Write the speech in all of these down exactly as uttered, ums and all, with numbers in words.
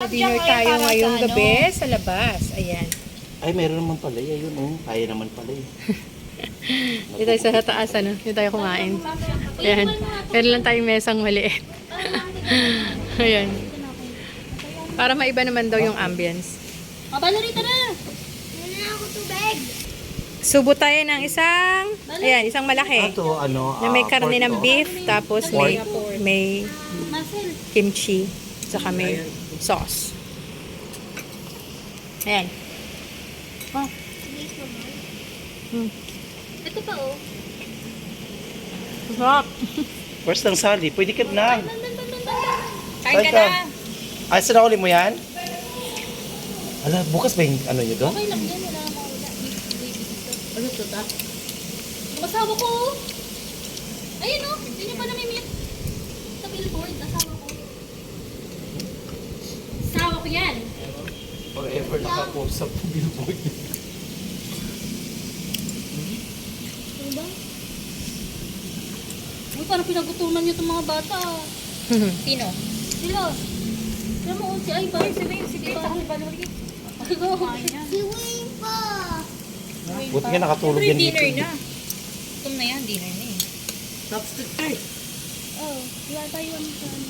Dinner tayo ngayong gabi sa labas. Ayan. Ay, meron naman pala. Ayun, oh. Kaya naman pala eh. Dito tayo sa taas, ano? Dito tayo kumain. Ayan. Meron lang tayong mesang maliit. Ayan. Para maiba naman daw yung ambience. Abalo rito na! Ano na ako tubig? Subo tayo ng isang, ayan, isang malaki. Ito, ano, Na may ah, karne pork ng to. beef, tapos may, may Marcel. kimchi, saka may sauce. Ayan. Oh. Hmm. Ito pa oh. Sarap. First ng sali. Pwede ka na. Kain ka na. Ay, sinakuli mo yan? Ala, bukas ba yung ano nyo doon? Okay lang yan, wala akong wala. Ano to ta? Yung asawa ko oh. Ayun oh, hindi niyo pa namimit. Sa billboard, asawa ko. Asawa ko yan. Forever nakapost sa billboard. Ano ba? Uy, parang pinagutuman niyo itong mga bata. Sino? Sila. Sila mo, si Ay ba? Si Wayne, si Diba? Si Valerie. Si Wayne pa. Buti nga nakatulog yan dito. Gutom na yan, dinner na eh. Oh, wala tayo ano sa ano.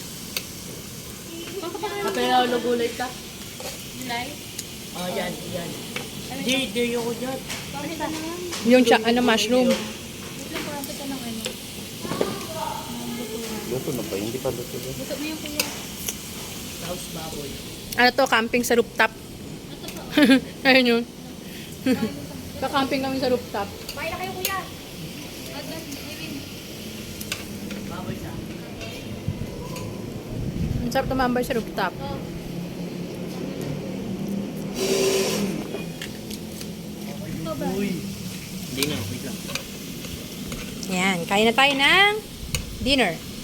Kapag nalagulay ka? July? Oh, yan, yan. Di, di yung ko dyan. Bakit ka naman? Yung cha, ano, mushroom. Wait lang, parang ka ng ano. Luto na ba? Hindi pa luto yan. Buto mo yung kuya. House baboy. Ano to, camping sa rooftop. Ito pa. Ayun yun. Ka-camping kami sa rooftop. Bahay na kayo kuya. Adan, Ewin. Baboy siya. Ang sarap tumambay sa rooftop. Oh. Ito ba? Hindi na, wait lang. Yan, kain na tayo ng dinner.